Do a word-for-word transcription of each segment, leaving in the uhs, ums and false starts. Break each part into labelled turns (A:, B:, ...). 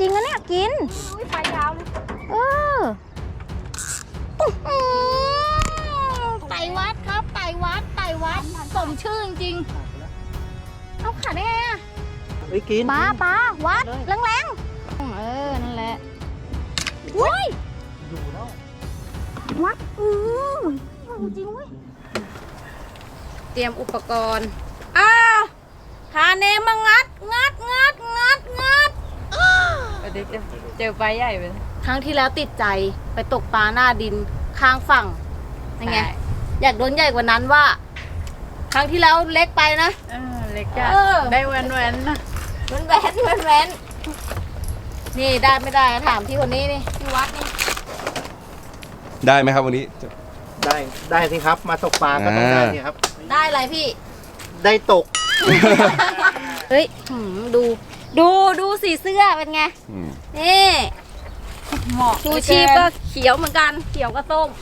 A: ริงๆนะเนี่ยกินอุ้ยปลายาวเลยเออไต่วัดครับไต่วัดไต่วัดสมชื่อจริงๆเอาขาดได้ไงอะ
B: เฮ้ยกิน
A: ปลาปลาวัดแรงๆเออนั่นแหละอุ้ย
B: อยู่แล้ว
A: วัดอือจริงเว้ยเตรียมอุปกรณ์อ้าวหาเนมมางัดงัดงัดงัดงัด
C: เดี๋ยวเจอปลาใหญ่ไป
A: ครั้งที่แล้วติดใจไปตกปลาหน้าดินข้างฝั่งยังไงอยากโดนใหญ่กว่านั้นว่า ครั้งที่แล้วเล็กไปนะ
C: เออเล็กจ้ะ
A: เออ
C: ได้แวนแวนๆนะ
A: แว้นแว้นแว้นแว้นนี่ได้ไม่ได้ถามที่คนนี้นี่ที่วัดนี่
D: ได้ไหมครับวันนี้
B: ได้ได้สิครับมาตกปลาก็ต้องได้สิครับ
A: ได้อะไรพี่
B: ได้ตก
A: เฮ้ยหืมดู ดูดูสีเสื้อเป็นไง
D: อืม
A: นี่
C: เหมาะ
A: ชูชีพก็เขียวเหมือนกัน เขียวก็ส้ม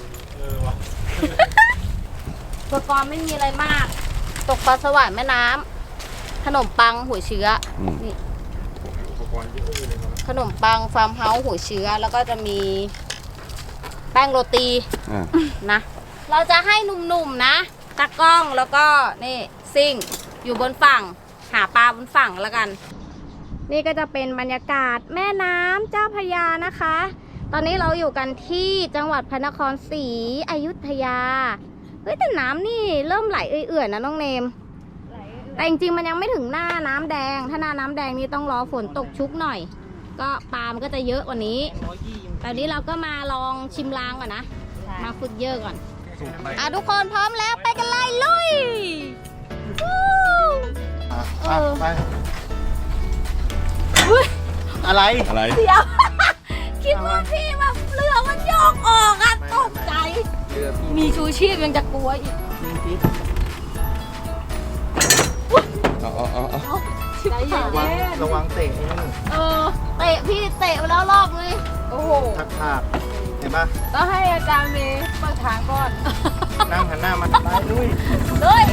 A: อุปกรณ์ไม่มีอะไรมาก ตกปลาสวายแม่น้ำขนมปังหัวเชื้ออ
D: ม
A: นี่ขนมปังฟาร์มเฮาส์หัวเชื้อแล้วก็จะมีแป้งโรตี
D: อ่า
A: นะ เราจะให้หนุ่มๆนะตากล้องแล้วก็นี่ซิ่งอยู่บนฝั่งหาปลาบนฝั่งแล้วกัน นี่ก็จะเป็นบรรยากาศแม่น้ำเจ้าพระยานะคะ ตอนนี้เราอยู่กันที่จังหวัดพระนครศรีอยุธยา เฮ้ยแต่น้ำนี่เริ่มไหลเอื่อยๆนะน้องเนม แต่จริงๆมันยังไม่ถึงหน้าน้ำแดง ถ้าหน้าน้ำแดงนี่ต้องรอฝนตกชุกหน่อย ก็ปลามันก็จะเยอะกว่านี้ ตอนนี้เราก็มาลองชิมลางก่อนนะ มาฝึกเยอะก่อน อ่ะทุกคนพร้อมแล้วไปกันเลยลุยวู้
B: อ่ะ
A: เออ
B: ไปอะไร
D: อะไร
A: เดี๋ยว คิดว่าพี่แบบเรือมันโยกออกอะตกใจ
B: เรือพี่
A: มีชูชีพยังจะกลัวอีก
B: พี่
D: เอาเอาเอาเอา
A: ใจเย็
B: ระวัง
A: น
B: ระวังเตะไอ้นี่
A: เออเตะพี่เตะไปแล้วรอบเลย
C: โอ้โห
B: ทักทากเห็นปะ
C: ต้องให้อาจารย์เมย์เปิดทางก่อน
B: นั่งหันหน้ามาไปลุย
A: เฮ้ย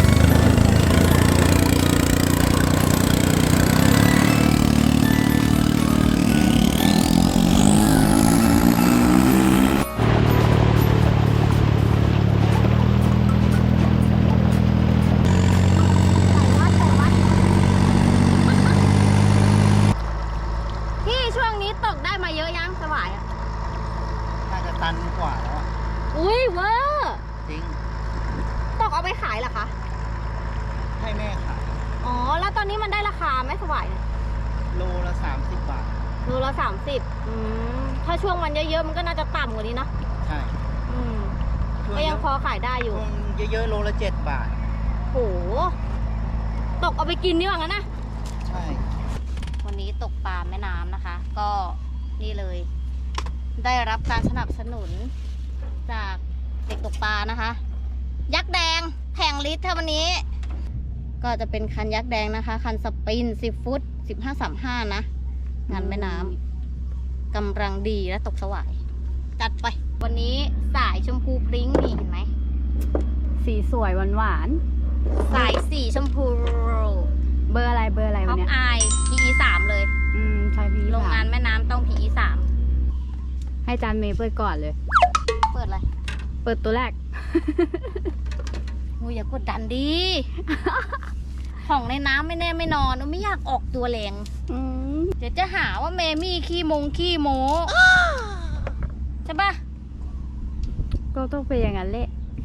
A: พี่ช่วงนี้ตกได้มาเยอะยังสวายอ่ะ
B: น่าจะตันกว่าแล้วอ่ะ
A: อุ้ยเวอร์
B: จริง
A: ตกเอาไปขายเหรอคะ
B: ให้แม่ขาย
A: อ๋อ แล้วตอนนี้มันได้ราคาไหมสวายเนี่ย
B: โลละสามสิบบาท
A: โลละสามสิบอืมถ้าช่วงวันเยอะๆมันก็น่าจะต่ำกว่านี้เนาะ
B: ใช่
A: อืม
B: ช่ว
A: ก็ยังพอขายได้อยู่
B: ช่วงเยอะๆโลละเจ็ดบาท
A: โห ตกเอาไปกินดีกว่างั้นนะ
B: ใช่
A: วันนี้ตกปลาแม่น้ำนะคะ ก็นี่เลย ได้รับการสนับสนุนจากเด็กตกปลานะคะ ยักษ์แดงแผงลิตรถ้าวันนี้ ก็จะเป็นคันยักษ์แดงนะคะ คันสปินสิบฟุตสิบห้าสามห้านะงานแม่น้ำกำลังดีและตกสวาย จัดไป วันนี้สายชมพูพริ้งนี่เห็นไหม
C: สีสวยหวานหวาน
A: สายสีชมพู
C: ๆเบอร์อะไรเบอร์อะไร
A: ท็
C: วั
A: อน ป
C: เนี้ย
A: ไอ พี อี สามเลย
C: อืมใช่พี่
A: โรงงานแม่น้ำต้อง พี อี สาม
C: ให้อาจารย์เมย์เปิดก่อนเลย
A: เปิดอะไร
C: เปิดตัวแรก
A: งูอย่ากดดันดิ ของในน้ำไม่แน่ไม่นอนไม่อยากออกตัวแรง
C: อืม
A: เดี๋ยวจะหาว่าเมมี่ขี้มงขี้โม ใช่ปะ
C: ก็ต้องเป็นอย่างนั้นแหละ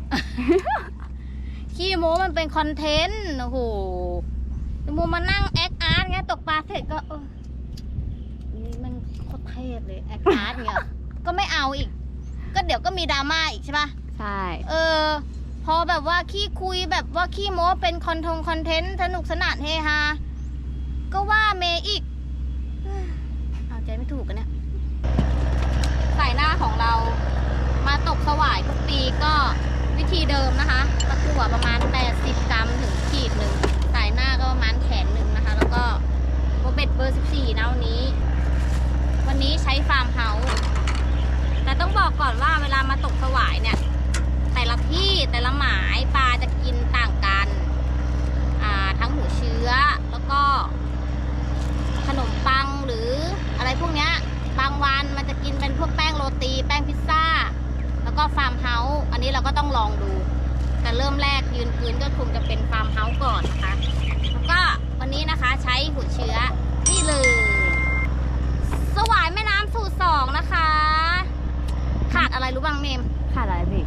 A: ขี้โมมันเป็นคอนเทนต์ โอ้โหมูมานั่งแอคอาร์ตไงตกปลาเสร็จก็เออนี่มันโคตรเทพเลยแอคอาร์ตเงี้ย ก็ไม่เอาอีก ก็เดี๋ยวก็มีดราม่าอีกใช่ปะ
C: ใช่
A: เออ พอแบบว่าขี้คุยแบบว่าขี้โม้เป็นคอนทงคอนเทนต์สนุกสนานเฮฮา ก็ว่าเมย์อีก เอาใจไม่ถูกกันเนี่ยสายหน้าของเรามาตกสวายทุกปีก็วิธีเดิมนะคะตะกั่วประมาณแปดสิบกรัมถึงขีดหนึ่งสายหน้าก็ประมาณแขนหนึ่งนะคะ แล้วก็โบเบ็ดเบอร์สิบสี่นะวันนี้ วันนี้ใช้ฟาร์มเฮาส์แต่ต้องบอกก่อนว่าเวลามาตกสวายเนี่ย แต่ละที่แต่ละหมายปลาจะกินต่างกันอ่าทั้งหัวเชื้อแล้วก็ขนมปังหรืออะไรอะไรพวกเนี้ยบางวันมันจะกินเป็นพวกแป้งโรตีแป้งพิซซ่าแล้วก็ฟาร์มเฮาส์อันนี้เราก็ต้องลองดูแต่เริ่มแรกยืนพื้นก็คงจะเป็นฟาร์มเฮาส์ก่อนนะคะแล้วก็วันนี้นะคะใช้หัวเชื้อนี่เลยสวายแม่น้ำสูตรสองนะคะขาดอะไรรู้บ้างเมม
C: ขาดอะไรพี่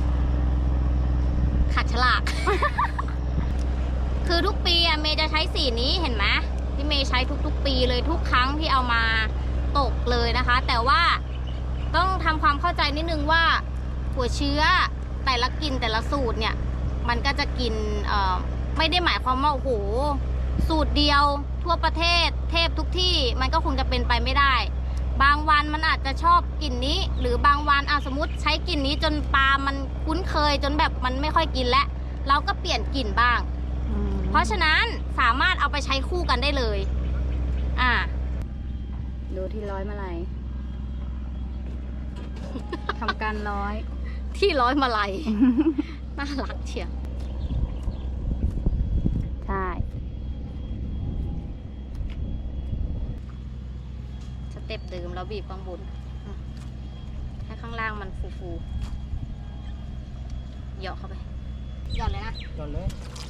A: ขาดฉลาก คือทุกปีอะเมย์จะใช้สีนี้เห็นไหมที่เมย์ใช้ทุกๆปีเลยทุกครั้งที่เอามาตกเลยนะคะ แต่ว่าต้องทำความเข้าใจนิดนึงว่าหัวเชื้อแต่ละกินแต่ละสูตรเนี่ยมันก็จะกินเอ่อไม่ได้หมายความว่าโอ้โหสูตรเดียวทั่วประเทศเทพทุกที่มันก็คงจะเป็นไปไม่ได้ บางวันมันอาจจะชอบกลิ่นนี้หรือบางวันอ่ะสมมติใช้กลิ่นนี้จนปลามันคุ้นเคยจนแบบมันไม่ค่อยกินแล้วเราก็เปลี่ยนกลิ่นบ้าง
C: อืม
A: เพราะฉะนั้นสามารถเอาไปใช้คู่กันได้เลย อ่า
C: ดูที่ร้อยมาลัย ทำการร้อย
A: ที่ร้อยมาลัย น่ารักเชียว
C: ใช่
A: สเต็ปเดิมแล้วบีบข้างบนอืมให้ข้างล่างมันฟูๆเหยาะเข้าไปหย่อนเลยนะ
B: ก่อนเลย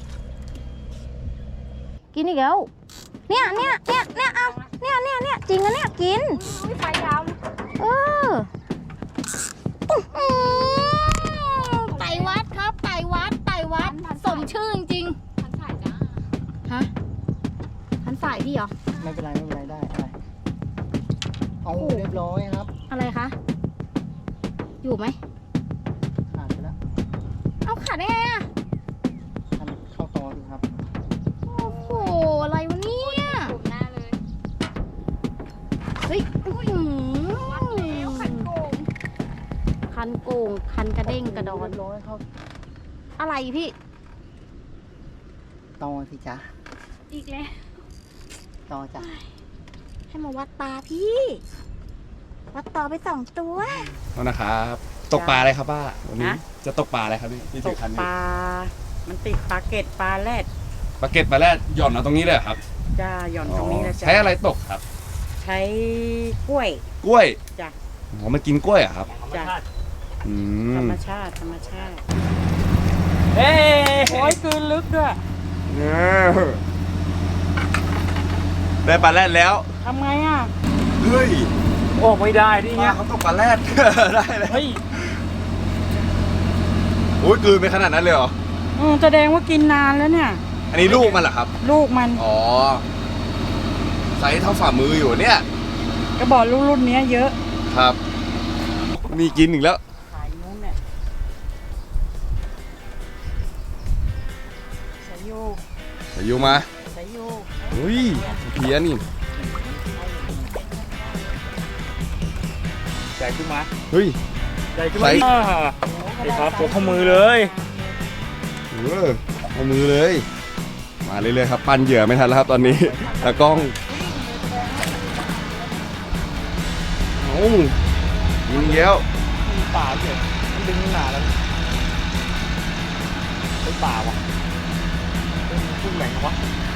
A: กินอีกแล้ว เนี่ยเนี่ยเนี่ยเนี่ยเอาเนี่ยเนี่ยเนี่ยจริงนะเนี่ยกินไฟดำเอออื้อหือไต่วัดครับไต่วัดไต่วัดสมชื่อจริงๆพันสายจ้าฮะพันสายพี่เหรอ
B: ไม่เป็นไรไม่เป็นไรได้อะไรเอาเรียบร้อยครับ
A: อะไรคะ อยู่ไหม
B: ขาดไปแล้ว
A: เอาขาดได้ไงอะ
B: ทำเข้าตอดูครับ
A: โอ้โหอะไรวะเนี่ยหน้าเลยเฮ้ยอื้อหือคันโกงคันโกงคันกระเด้งกระดอน
B: เรียบร้อยครับ
A: อะไรพี่
B: ตอสิจ๊ะ
A: อีกแล้ว
B: ตอจ้ะ
A: ให้มาวัดตาพี่ วัดต่อไปสองตัว
D: เอานะครับตกปลาอะไรครับป้าวันนี้
E: ฮะ
D: จะตกปลาอะไรครับนี่ที่
E: ต
D: ถือก คัน
E: ป
D: นี้
E: ลา มันติดปลาเก็ดปลาแรด
D: ปลาเก็ตปลาแรดหย่อนเอาตรงนี้เลยเหรอครับ
E: จ้าหย่อนตรงนี้แล้วจ้า
D: ใช้อะไรตกครับ
E: ใช้กล้วย
D: กล้วย
E: จ้ะ
D: อ๋อมันกินกล้วยเหรอะครับ
E: จ้ะ
D: อื
E: ธร
D: ม
E: รมชาติธรรมชาติ เฮ้ยโอ้ยคืนลึกด้วย
D: ได้ปลาแรดแล้ว
E: ทำไงอ่ะ
D: เฮ้ย
E: โอ้ไม่ได้ดิ
D: ปลา
E: เงี้ย
D: เขาตกปลาแรด ได้เลย
E: เฮ้ย
D: โอ้ยกลืนไปขนาดนั้นเลยเหรอ
E: อืมแสดงว่ากินนานแล้วเนี่ย
D: อันนี้ลูกมันเหรอครับ
E: ลูกมัน
D: อ๋อไซส์เท่าฝ่ามืออยู่เนี่ย
E: ก็บอกลูกรุ่นเนี้ยเยอะ
D: ครับ มีกินอีกแล้ว
E: ขายนู้นเนี่ยสายโย
D: เดี๋ยวอยู่มา
E: สายโย
D: เฮ้ยเพี้ยนี่
E: ใหญ่ขึ้นมา
D: เฮ้ย
E: ใหญ่ขึ้น
D: ใส่
E: มาดีครับตัวข้อมือเลย
D: เออเอามือเลย มาเรื่อยๆครับ ปั้นเหยื่อไม่ทันแล้วครับตอนนี้ตากล้องโอ้ยิงเย้ว
E: มีป่าเฉยมันดึงหนาแล้วไอ้ป่าวะเป็นพุ่งแหลงวะ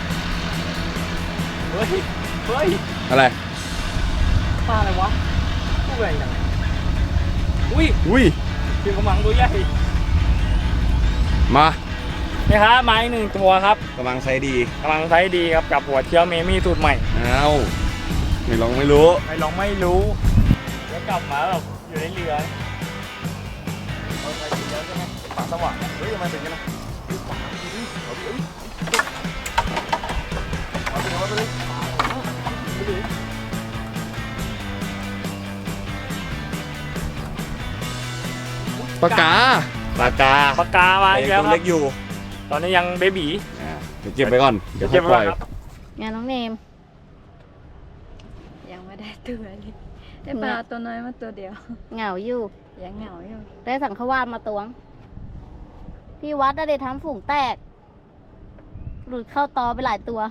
E: เฮ้ยเฮ้ย
D: อะไร
E: ปลาอะไรวะพุ่งแหลงยังไงอุ้ย
D: อุ้ย
E: คือกำลังตัวใหญ่
D: มา
E: นี่ครับไม้หนึ่งตัวครับ
D: กำลังใช้ดี
E: กำลังใช้ดีครับกับหัวเชื้อเมมี่สูตรใหม่
D: เอาไม่ลองไม่รู้
E: ไม่ลองไม่รู้แล้วกลับมาแบบอยู่ในเรือเราไปกินแล้วใช่ไหมป่าสว่างเฮ้ยทำไมเป็นกันนะป่าดีดิเอาดิเอาดิเอาดิเอาดิ
D: ปากกา
E: ปากกาปากกามาอีกแล้ว
D: ตัว
E: ครั
D: เล็
E: บ
D: กอยู่
E: ตอนนี้ยังเบบี
D: อ่าเดี๋ยวเก็บไปก่อน เดี๋ยวค่
E: เก็
D: อบ ย
E: ไว้
D: ปล่อย
E: ครับ
A: งานน้องเนม
C: ยังไม่ได้ตัวเลยได้ปลาตัวน้อยมาตัวเดียว
A: เหงาอยู่
C: ยังเหงาอยู่
A: ได้สังขวานมาตวง พี่วัดได้ทำฝูงแตก หลุดเข้าตอไปหลายตัว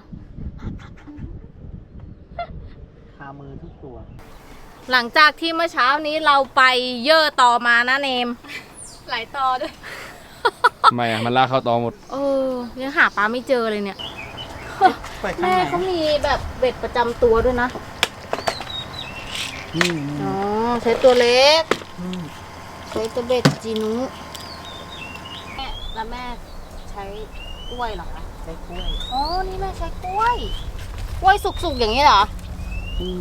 B: คามือทุกตัว
A: หลังจากที่เมื่อเช้านี้เราไปเย่อต่อมานะเนม หลายตอด้วย
D: ไม่อะมันลากเข้าตอหมด
A: เออยังหาปลาไม่เจอเลยเนี่ย
B: ไปข้าง
A: แม่
B: ไหน
A: เขามีแบบเบ็ดประจำตัวด้วยนะ
B: นี่
A: อ๋อใช้ตัวเล็กใช้ตัวเบ็ดจีนุแม่แล้วแม่ใช้กล้วยเหรอคะ
B: ใช้กล้วย
A: อ๋อนี่แม่ใช้กล้วยกล้วยสุกๆอย่างนี้เหรอ
B: นี่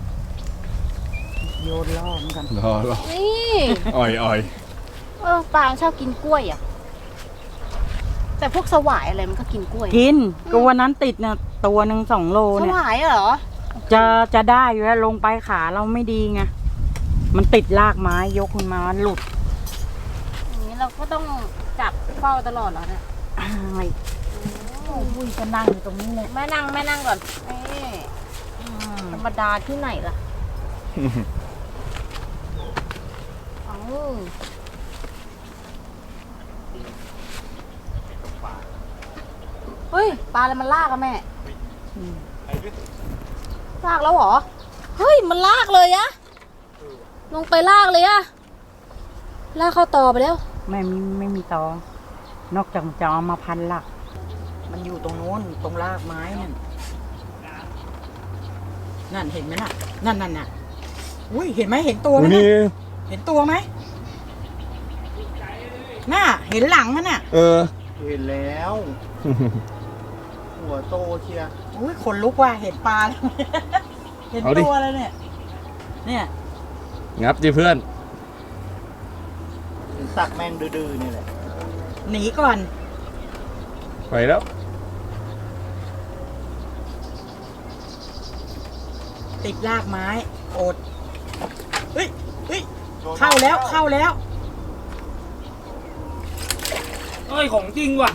B: โยนล่อเหมือนกัน
D: รอรอ
A: นี่
D: อ่อยอ่อย
A: เออปลาชอบกินกล้วยอ่ะแต่พวกสวายอะไรมันก็กินกล้วย
F: กินก็วันนั้นติดเนี่ยตัวหนึ่งสองโล
A: ส
F: เนี่ยว
A: ายเหรอ
F: จะจะได้อยู่แล้วลงไปขาเราไม่ดีไงมันติดรากไม้ยกขึ้นมามันหลุด
A: อย่างนี้เราก็ต้องจับเฝ้าตลอดเหรอเนี่ย
F: อ้ายโอ้ยจะนั่งอยู่ตรงนี้เลย
A: แม่นั่งแม่นั่งก่อนนี่ธรรมดาที่ไหนล่ะอ๋อเฮ้ยปลาอะไรมันลากอะแม่ลากแล้วเหรอเฮ้ยมันลากเลยอะลงไปลากเลยอะลากเข้าต่อไปแล้ว
F: ไม่มีไม่มีตอ นอกจากจะเอามาพันหลัก มันอยู่ตรงโน้นตรงรากไม้นั่นนั่นเห็นไหมน่ะ นั่นนั่นน่ะอุ้ยเห็นไหมเห็นตัวไหม
D: นี่
F: น่ะเห็นตัวไหมน่ะเห็นหลังมันน่ะ
D: เออ
B: เห็นแล้ว หัวโตเชียร์
F: อุ้ยขนลุกว่ะเห็นปลาแล้ว เห็น
D: เอาดิ
F: ตัวเลยเนี่ย เนี่ย
D: งับดิเพื่อน
B: สักแม่งดื้อๆนี่แหละ
F: หนีก่อน
D: ไปแล้ว
F: ติดรากไม้อดเฮ้ยเฮ้ยเข้าแล้วเข้าแล้ว
E: เอ้ยของจริงว่ะ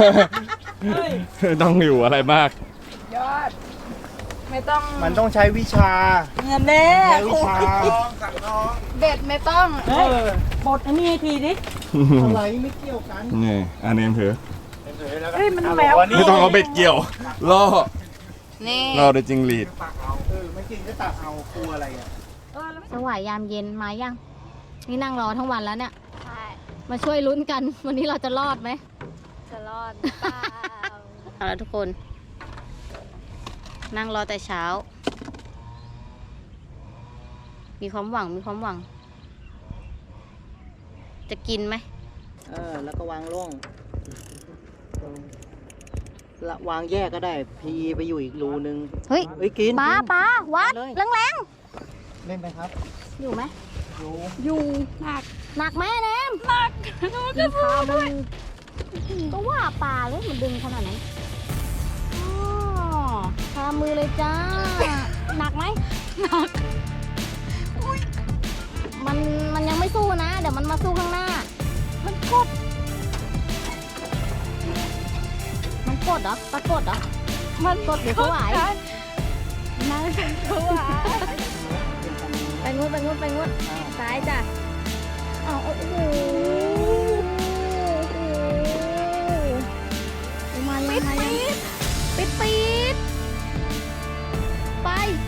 D: ต้องอยู่อะไรมาก
A: ยอด ไม่ต้อง
B: มันต้องใช้วิชา
F: เงินแน่
B: ใช้วิชา
A: เบ็ดไม่ต้อง
F: เฮ้ยบดอันนี้ทีดิ
B: อะไรไม่เกี่ยวกัน
D: นี่อันนี้ถือ
F: เฮ้ยมันแหวว
D: ไม่ต้องเอาเบ็ดเกี่ยวล่อ
A: นี่
D: ล่อด้วยจิงหรีด
B: ตักเอาเออไม่จริงก็ตักเอากลัวอะไรอ่ะ
A: สวายยามเย็นมายัง นี่นั่งรอทั้งวันแล้วเนี่ย มาช่วยลุ้นกัน วันนี้เราจะรอดไหม
C: จะรอดหรือเปล่า
A: เอาละทุกคน นั่งรอแต่เช้า มีความหวังมีความหวัง จะกินไหม
B: เออแล้วก็วางล่วงละวางแยกก็ได้ พีไปอยู่อีกรูนึง
A: เฮ้ย
B: เฮ้ยกิน
A: ปลา
B: กิน
A: ปลาวัด
B: เลย
A: แรงแรง
B: เล่นไปครับ
A: ๆอยู่ไหม
B: อยู่
A: อยู่หนักหนักไหมแนมหนักมีพามือก็ว่าปลาเลยมันดึงขนาดนั้นอ๋อพามือเลยจ้า หนักไหมหนักมันมันยังไม่สู้นะ เดี๋ยวมันมาสู้ข้างหน้า มันกด มันกดเหรอปลากดเหรอมันกดหรือเขาไหวนั่นเป็นเขาไหวไปงุดไปงุดไปงุดซ้ายจ้ะอ๋อโอ้โหมายังมายังปิดปิดไป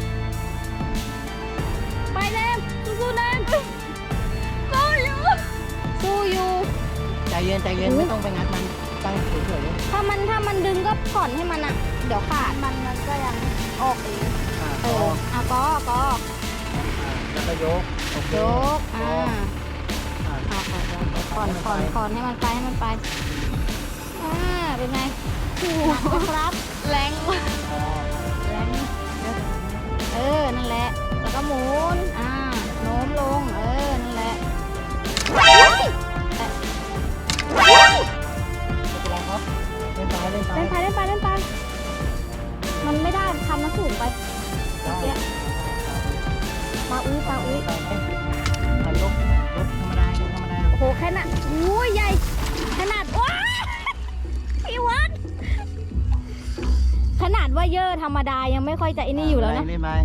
A: ไปแนมสู้ๆแนมสู้อยู่สู้อยู่
B: ใจเย็นใจเย็นไม่ต้องไปงัดมันตั้งเฉย
A: ถ้ามันถ้ามันดึงก็ผ่อนให้มันอ่ะ เดี๋ยวขาดมันมันก็ยังออกเอง
B: ๆอ่า
A: เอ
B: ต่อ
A: ออ่ะก็ก็
B: แล้วก็ยกโอเค
A: ยกอ่า
B: อ่า
A: อ่ะผ่อนผ่อนผ่อนให้มันไปให้มันไปอ่าเป็นไงหนักไหมครับแรงแรงเออนั่นแหละแล้วก็หมุนอ่าโน้มลงเออนั่นแหละเฮ้ยเฮ้ย
B: ไม่เป็นไรครับเล่นไปเล่นไป
A: เล่นไปเล่นไปเล่นไป มันไม่ได้ทำมันสูงไป
B: ได้
A: เมื่อกี้ปลาอุ้ยปลาอุ้ย
B: ไปไปไปยกยกธรรมดายกธรรมดา
A: โอ้โหแค่น่ะอุ้ยใหญ่ ขนาดว้าพี่วัดขนาดว่าเยอะธรรมดายังไม่ค่อยจะไอ้นี่อยู่แล้วนะ
B: เล่นไป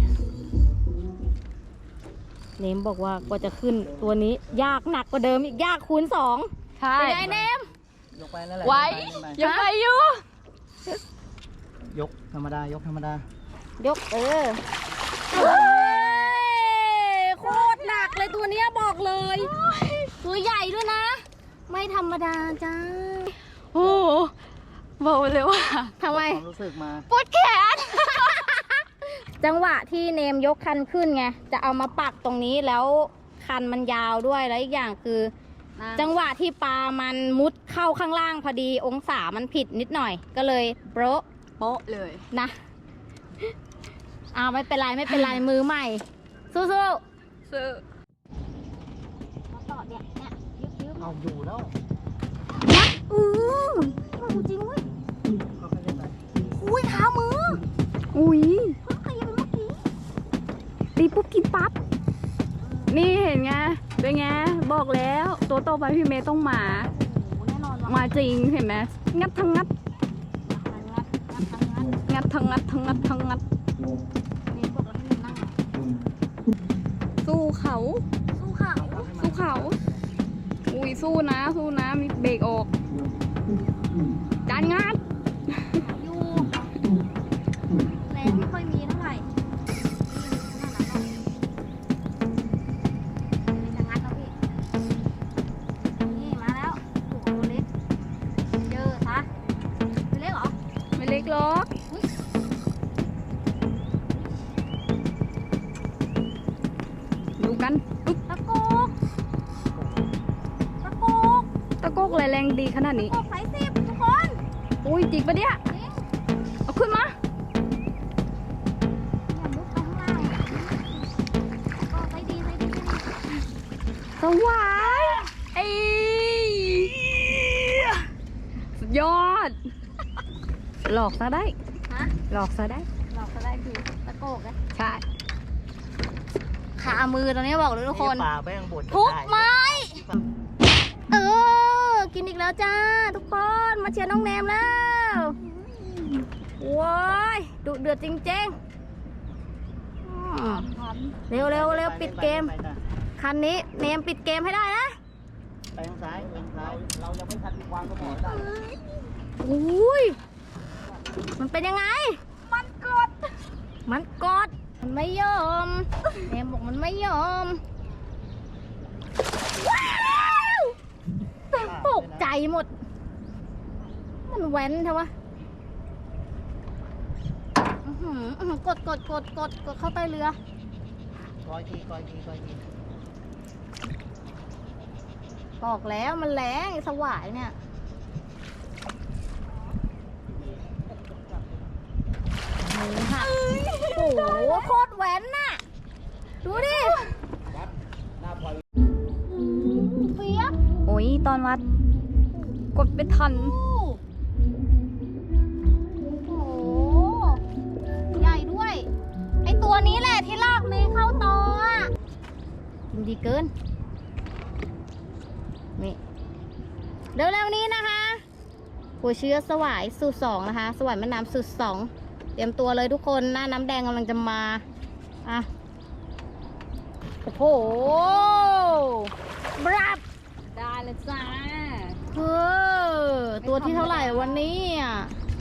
A: เนมบอกว่ากว่าจะขึ้นตัวนี้ยากหนักกว่าเดิมอีกยากคูณสอง
C: ใช่
A: เป็นไงเนม
B: ยกไปนั่นแหละ
C: ไว้
B: เล่นไป
C: ยังไปอยู่
B: ยกธรรมดายกธรรมดา
A: ยกเออเฮ้ยโคตรหนักเลยตัวเนี้ยบอกเลย ตัวใหญ่ด้วยนะ ไม่ธรรมดาจ้า
C: โอ้โหบอกเลยว่า
A: ทำไม
B: ความรู้สึกมา
C: ปวดแขน
A: จังหวะที่เนมยกคันขึ้นไงจะเอามาปักตรงนี้แล้วคันมันยาวด้วยแล้วอีกอย่างคือ จังหวะที่ปลามันมุดเข้าข้างล่างพอดีองศามันผิดนิดหน่อยก็เลยโป๊ะ
C: โป๊ะเลย
A: นะอ้าวไม่เป็นไรไม่เป็นไรมือใหม่ สู้ๆ
C: ซื้อ
A: มาต่อเนี่ยเนี่ยยึบยึบ
B: เอาอยู่แล้ว
A: อือมาจริงเว้ย
B: เขาไม่ได้ไป
A: อุ้ยเท้ามือ
C: อุ้ย
A: เพิ่งขยับไปเมื่อกี้
C: ตีปุ๊บกินปั๊บ นี่เห็นไง เป็นไง บอกแล้วตัวโตไปพี่เมย์ต้องมา
A: โอ้โหแน่นอนว่ะ
C: มาจริงเห็นไหมงัดทั้งงัด
A: งัดงัดงัดงัด
C: งัดทั้งงัดทั้งงัดทั้งงัด
A: นี่บอกแล้วให้มันนั่ง
C: สู้เขา
A: สู้เขา
C: สู้เขา อุ้ยสู้นะ สู้นะ มีเบรกออก จานงัด
A: อยู่แรงไม่ค่อยมีเท่าไหร่นี่จะงัดแล้วพี่นี่มาแล้วโอ้โหตัวเล็กเจอซะตัวเล็กเหรอ
C: ไม่เล็กหรอก ดูกันอุ๊ย
A: ตะโกกตะโกก
C: ตะโกกอะไรแรงดีขนาดนี้
A: ตะโกกสายสิบทุกคน
C: อุ้ยจริงปะเนี่ย
A: จริง
C: เอาขึ้นมา
A: อย่าลุกไปข้างล่างก็ไปดีไปดีไปดี
C: สวายไอ้สุดยอด หลอกซะได้
A: ฮะ
C: หลอกซะได้
A: หลอกก็ได้คือตะโกกนะ
C: ใช่
A: ขามือตอนนี้บอกเลยทุกคน
B: ปลาแป้งบด
A: ทุกไม้ เออ กินอีกแล้วจ้า ทุกคนมาเชียร์น้องแนมแล้วว้ายดุเดือดจริงๆอืมเร็วเร็วเร็วปิดเกม คันนี้เนมปิดเกมให้ได้นะ
B: ไปทางซ้ายไปทางซ้ายเรายังไม่ทันวางกระบอกได้
A: อุ้ย มันเป็นยังไง มันกด มันกด มันไม่ยอมเนมบอกมันไม่ยอม ว้าวตกใจหมด มันแว้นใช่ปะอื้อหืออื้อหือกดกดกดกดกดเข้าใต้เรือ
B: คอยทีคอยทีคอยที
A: บอกแล้วมันแรงไอ้สวายเนี่ยมือหักโอ้โหโคตรแหวนน่ะ ดูดิเปียบ
C: โอ้ยตอนวัด กดไม่ทัน
A: โอ้โหใหญ่ด้วย ไอตัวนี้แหละที่ลากเมย์เข้าตออ่ะยิงดีเกิน นี่เร็วๆนี้นะคะหัวเชื้อสวายสูตรสองนะคะ สวายแม่น้ำสูตรสองเตรียมตัวเลยทุกคนหน้าน้ำแดงกำลังจะมาอ่ะโอ้โหบรับ
C: ได้เลยจ้า
A: เออตัวที่เท่าไหร่วันนี้อ่ะ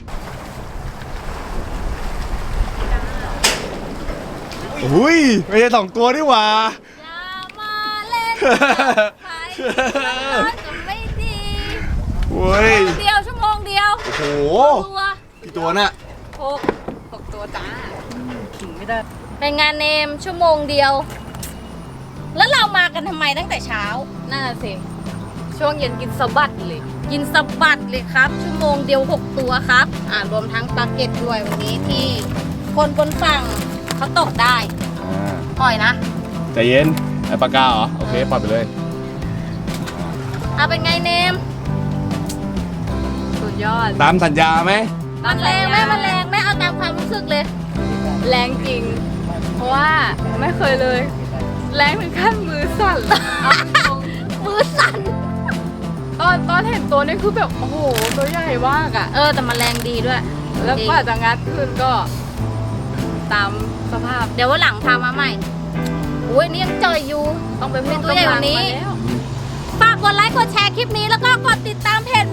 D: อุ้ยไม่ใช่สองตัวนี่หว่า
A: อย่ามาเล่นกับใครมันก็ไม่ดี
D: โอ้ย
A: เดียวชั่วโมงเดียว
D: โอ้โห
A: ตัว
D: กี่ตัวน่ะ
A: หก
C: หกตัวจ้า
B: ขิงไม่ได้
A: เป็นงานเนมชั่วโมงเดียว แล้วเรามากันทำไมตั้งแต่เช้า
C: น่าสิ ช่วงเย็นกินสะบัดเลย
A: กินสะบัดเลยครับ ชั่วโมงเดียวหกตัวครับ อ่ารวมทั้งปลาเก็ตด้วยวันนี้ที่คนบนฝั่งเขาตกได้
D: อ่า
A: ปล่อยนะ
D: ใจเย็นไอ้ปากกาเหรอ โอเค ปล่อยไปเลย
A: เอาเป็นไงเนม
C: สุดยอด
D: ตามสัญญาไหม
A: มันแรงไหมมันแรงไหมเอาตามความรู้สึกเลย
C: แรงจริง เพราะว่าไม่เคยเลย แรงถึงขั้นมือสั่นเอาตรง
A: มือสั่น
C: ตอนตอนเห็นตัวนี่คือแบบ โอ้โห ตัวใหญ่มากอะ
A: เออแต่มันแรงดีด้วย
C: แล้วกว่าจะงัดขึ้นก็ ตามสภาพ
A: เดี๋ยววันหลังพามาใหม่อุ้ยนี่ยังเจออยู่
C: ต้องไปเพิ่ม
A: ตัวใหญ่กว่านี้
C: กำลังมาแล้ว
A: ฝากกดไลค์กดแชร์คลิปนี้แล้วก็กดติดตามเพจ